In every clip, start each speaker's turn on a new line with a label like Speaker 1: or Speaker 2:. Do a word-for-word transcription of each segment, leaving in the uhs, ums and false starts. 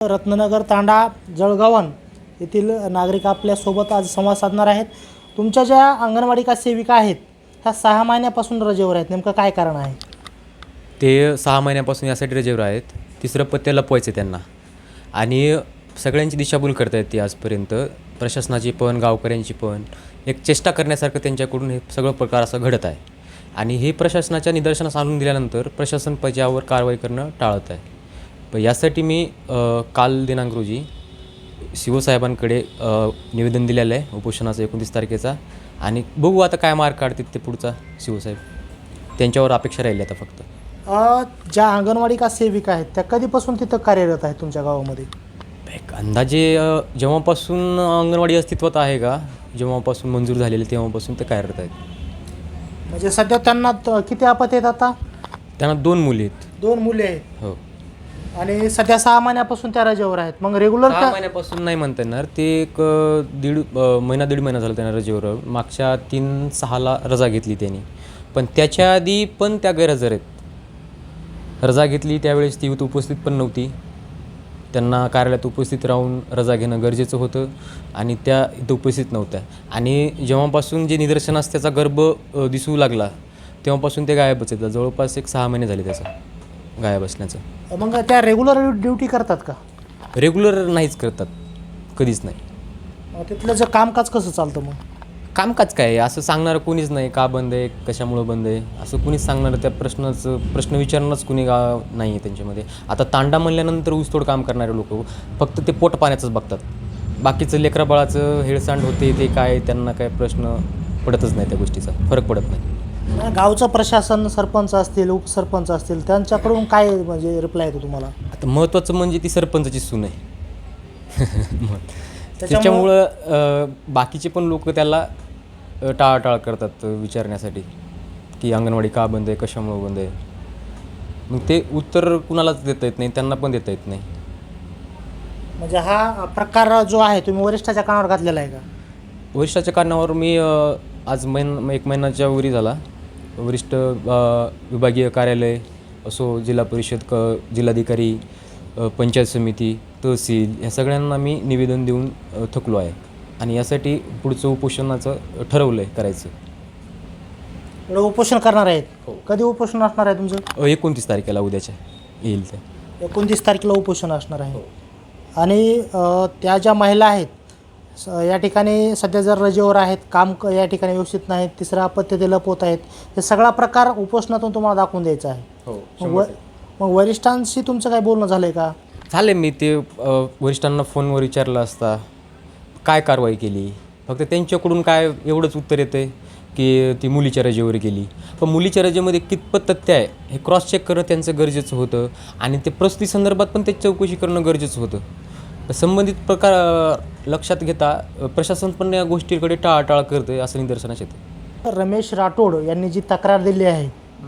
Speaker 1: रत्ननगर तांडा जळगावन येथील नागरिक आपल्यासोबत आज संवाद साधणार आहेत. तुमच्या ज्या अंगणवाडी का सेविका आहेत ह्या सहा महिन्यापासून रजेवर आहेत, नेमकं काय कारण आहे?
Speaker 2: ते सहा महिन्यापासून यासाठी रजेवर आहेत. तिसरं पत्ते लपवायचे त्यांना आणि सगळ्यांची दिशाभूल करतायत ती आजपर्यंत. प्रशासनाची पण गावकऱ्यांची पण एक चेष्टा करण्यासारखं त्यांच्याकडून हे सगळं प्रकार असं घडत आहे आणि हे प्रशासनाच्या निदर्शनास आणून दिल्यानंतर प्रशासन त्याच्यावर कारवाई करणं टाळत आहे. पण यासाठी मी काल दिनांक रोजी शिवसाहेबांकडे निवेदन दिलेलं आहे उपोषणाचं एकोणतीस तारखेचा आणि बघू आता काय मार्ग काढतात ते पुढचा शिवसाहेब. त्यांच्यावर अपेक्षा राहिली आता फक्त.
Speaker 1: ज्या अंगणवाडी का सेविका आहेत त्या कधीपासून तिथं कार्यरत आहेत तुमच्या गावामध्ये?
Speaker 2: एक अंदाजे जेव्हापासून अंगणवाडी अस्तित्वात आहे का, जेव्हापासून मंजूर झालेले तेव्हापासून ते कार्यरत आहेत.
Speaker 1: म्हणजे सध्या त्यांना किती आपत आहेत आता?
Speaker 2: त्यांना दोन मुली आहेत.
Speaker 1: दोन मुले आहेत.
Speaker 2: हो.
Speaker 1: आणि सध्या सहा महिन्यापासून त्या रजेवर आहेत. मग रेग्युलर
Speaker 2: सहा महिन्यापासून नाही म्हणता येणार, ते एक दीड महिना दीड महिना झाला त्यांना रजेवर. मागच्या तीन सहाला रजा घेतली त्यांनी, पण त्याच्या आधी पण त्या गैरहजर आहेत. रजा घेतली त्यावेळेस ती उपस्थित पण नव्हती. त्यांना कार्यालयात उपस्थित राहून रजा घेणं गरजेचं होतं आणि त्या इथं उपस्थित नव्हत्या. आणि जेव्हापासून जे निदर्शनास त्याचा गर्भ दिसू लागला तेव्हापासून ते गायबच आहेत. जवळपास एक सहा महिने झाले त्याचं गायब असण्याचं.
Speaker 1: मग त्या रेग्युलर ड्युटी करतात का?
Speaker 2: रेग्युलर नाहीच करतात, कधीच नाही.
Speaker 1: तिथलं जर कामकाज कसं चालतं? मग
Speaker 2: कामकाज काय असं सांगणारं कोणीच नाही. का बंद आहे, कशामुळं बंद आहे असं कुणीच सांगणारं, त्या प्रश्नाचं प्रश्न विचारणंच कुणी गा नाही आहे त्यांच्यामध्ये. आता तांडा म्हणल्यानंतर ऊसतोड काम करणारे लोक फक्त ते पोट पाण्याचंच बघतात. बाकीचं लेकराबाळाचं हेळसांड होते ते काय, त्यांना काय प्रश्न पडतच नाही, त्या गोष्टीचा फरक पडत नाही.
Speaker 1: गावचं प्रशासन, सरपंच असतील, उपसरपंच असतील, त्यांच्याकडून काय म्हणजे रिप्लाय येतो तुम्हाला?
Speaker 2: आता महत्त्वाचं म्हणजे ती सरपंचाची सून आहे. त्याच्यामुळं बाकीचे पण लोक त्याला टाळाटाळ करतात विचारण्यासाठी की अंगणवाडी का बंद आहे, कशामुळं बंद आहे. मग ते उत्तर कुणालाच देता येत नाही, त्यांना पण देता येत नाही.
Speaker 1: म्हणजे हा प्रकार जो आहे तुम्ही वरिष्ठाच्या कानावर घातलेला आहे का?
Speaker 2: वरिष्ठाच्या कारणावर मी आज महिन एक महिन्याच्या वरी झाला वरिष्ठ विभागीय कार्यालय असो, जिल्हा परिषद, क जिल्हाधिकारी, पंचायत समिती, तहसील ह्या सगळ्यांना मी निवेदन देऊन थकलो आहे आणि यासाठी पुढचं उपोषणाचं ठरवलं आहे करायचं.
Speaker 1: उपोषण करणार आहेत? कधी उपोषण असणार आहे तुमचं?
Speaker 2: एकोणतीस तारखेला उद्याच्या येईल ते.
Speaker 1: एकोणतीस तारखेला उपोषण असणार आहे. आणि त्या ज्या महिला आहेत या ठिकाणी सध्या जर रजेवर आहेत, काम या ठिकाणी व्यवस्थित नाहीत, तिसरा अपत्य ते लपवत आहेत, हे सगळा प्रकार उपोषणातून तुम्हाला दाखवून द्यायचा आहे.
Speaker 2: हो.
Speaker 1: मग वरिष्ठांशी तुमचं काय बोलणं झालं आहे का?
Speaker 2: झालं. मी ते वरिष्ठांना फोनवर विचारलं असता काय कारवाई केली, फक्त त्यांच्याकडून काय एवढंच उत्तर येतं आहे की ती मुलीच्या रजेवर गेली. पण मुलीच्या रजेमध्ये कितपत तथ्य आहे हे क्रॉस चेक करणं त्यांचं गरजेचं होतं आणि ते प्रस्तुती संदर्भात पण त्याची चौकशी करणं गरजेचं होतं. संबंधित प्रकार लक्षात घेता प्रशासन पण या गोष्टीकडे टाळाटाळ करतं असं निदर्शनास येतं.
Speaker 1: रमेश राठोड यांनी जी तक्रार दिली आहे,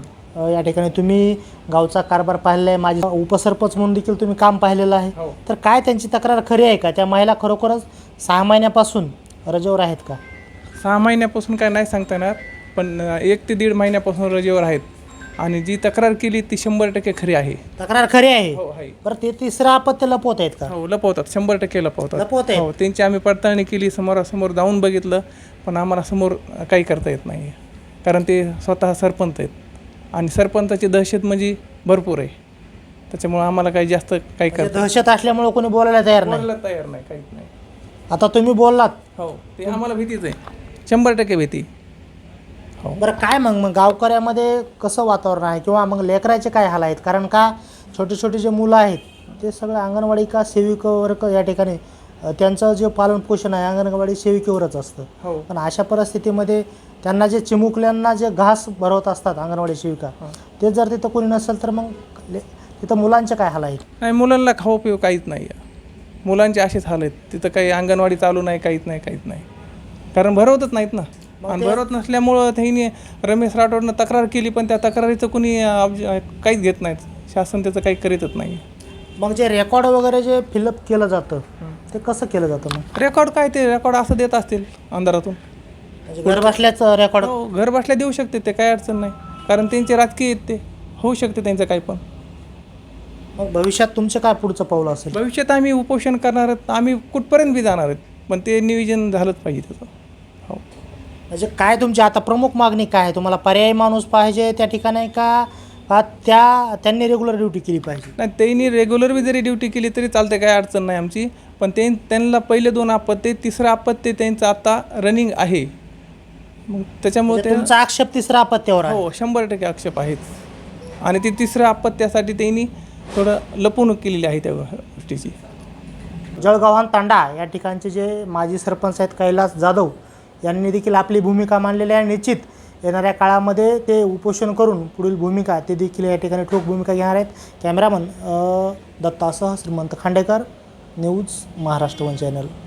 Speaker 1: या ठिकाणी तुम्ही गावचा कारभार पाहिलेला आहे, माझी उपसरपंच म्हणून देखील तुम्ही काम पाहिलेलं आहे, तर काय त्यांची तक्रार खरी आहे का? त्या महिला खरोखरच सहा महिन्यापासून रजेवर आहेत का?
Speaker 3: सहा महिन्यापासून काय नाही सांगता येणार, पण एक ते दीड महिन्यापासून रजेवर आहेत आणि जी तक्रार केली ती शंभर टक्के खरी आहे.
Speaker 1: तक्रार खरी आहे?
Speaker 3: हो आहे.
Speaker 1: बरं, ते तिसरं अपत्य लपवत आहेत का?
Speaker 3: हो, लपवतात, शंभर टक्के लपवतात.
Speaker 1: लपवत आहेत?
Speaker 3: हो, त्यांची आम्ही पडताळणी केली, समोरासमोर जाऊन बघितलं, पण आम्हाला समोर काही करता येत नाही कारण ते स्वतः सरपंच आहेत आणि सरपंचाची दहशत म्हणजे भरपूर आहे. त्याच्यामुळं आम्हाला काही जास्त काही करता
Speaker 1: दहशत असल्यामुळे कोणी बोलायला तयार नाही?
Speaker 3: बोलायला तयार नाही, काहीच नाही.
Speaker 1: आता तुम्ही बोललात.
Speaker 3: हो, ते आम्हाला भीतीच आहे, शंभर टक्के भीती.
Speaker 1: हो. बरं, काय मग मग गावकऱ्यामध्ये कसं वातावरण आहे किंवा मग लेकराचे काय हाल आहेत? कारण का छोटे छोटे जे मुलं आहेत ते सगळं अंगणवाडी का सेविकेवर या ठिकाणी त्यांचं जे पालनपोषण आहे अंगणवाडी सेविकेवरच असतं.
Speaker 3: हो.
Speaker 1: पण अशा परिस्थितीमध्ये त्यांना जे चिमुकल्यांना जे घास भरवत असतात अंगणवाडी सेविका, ते जर तिथं कोणी नसेल तर मग तिथं मुलांचे काय हाल आहेत?
Speaker 3: नाही, मुलांना खाऊ पिऊ काहीच नाही आहे. मुलांचे असेच हाल आहेत. तिथं काही अंगणवाडी चालू नाही, काहीच नाही, काहीच नाही, कारण भरवतच नाहीत ना. आणि भरवत नसल्यामुळं त्यांनी रमेश राठोडनं तक्रार केली, पण त्या तक्रारीचं कुणी काहीच घेत नाहीत. शासन त्याचं काही करीतच नाही.
Speaker 1: मग जे रेकॉर्ड वगैरे जे फिलअप केलं जातं ते कसं केलं जातं? मग
Speaker 3: रेकॉर्ड काय, ते रेकॉर्ड असं देत असतील अंधारातून,
Speaker 1: घर बसल्याच रेकॉर्ड?
Speaker 3: हो, घर बसल्या देऊ शकते ते, काही अडचण नाही, कारण त्यांचे राजकीय आहेत, ते होऊ शकते त्यांचं काही पण.
Speaker 1: मग भविष्यात तुमचं काय पुढचं पाऊल असेल?
Speaker 3: भविष्यात आम्ही उपोषण करणार आहेत, आम्ही कुठपर्यंत बी जाणार आहेत, पण ते नियोजन झालंच पाहिजे त्याचं. हो.
Speaker 1: म्हणजे काय तुमची आता प्रमुख मागणी काय आहे? तुम्हाला पर्यायी माणूस पाहिजे त्या ठिकाणी का का त्या त्यांनी रेग्युलर ड्युटी केली पाहिजे?
Speaker 3: नाही, त्यांनी रेग्युलर बी जरी ड्युटी केली तरी चालते, काही अडचण नाही आमची. पण ते त्यांना पहिले दोन आपत्ते, तिसरं आपत्ते त्यांचं आता रनिंग आहे. मग त्याच्यामुळे
Speaker 1: म्हणजे
Speaker 3: ते
Speaker 1: तुमचा आक्षेप तिसरा अपत्यावर आहे.
Speaker 3: हो शंभर टक्के आक्षेप आहेच. आणि ते तिसरं आपत्त्यासाठी त्यांनी थोडं लपवणूक केलेली आहे त्या गोष्टीची.
Speaker 1: जळगावान तांडा या ठिकाणचे जे माजी सरपंच आहेत कैलास जाधव यांनी देखील आपली भूमिका मांडलेली आहे. निश्चित येणाऱ्या काळामध्ये ते उपोषण करून पुढील भूमिका ते देखील या ठिकाणी ठोक भूमिका घेणार आहेत. कॅमेरामन दत्तासह Shrimant Khandekar, news Maharashtra one channel.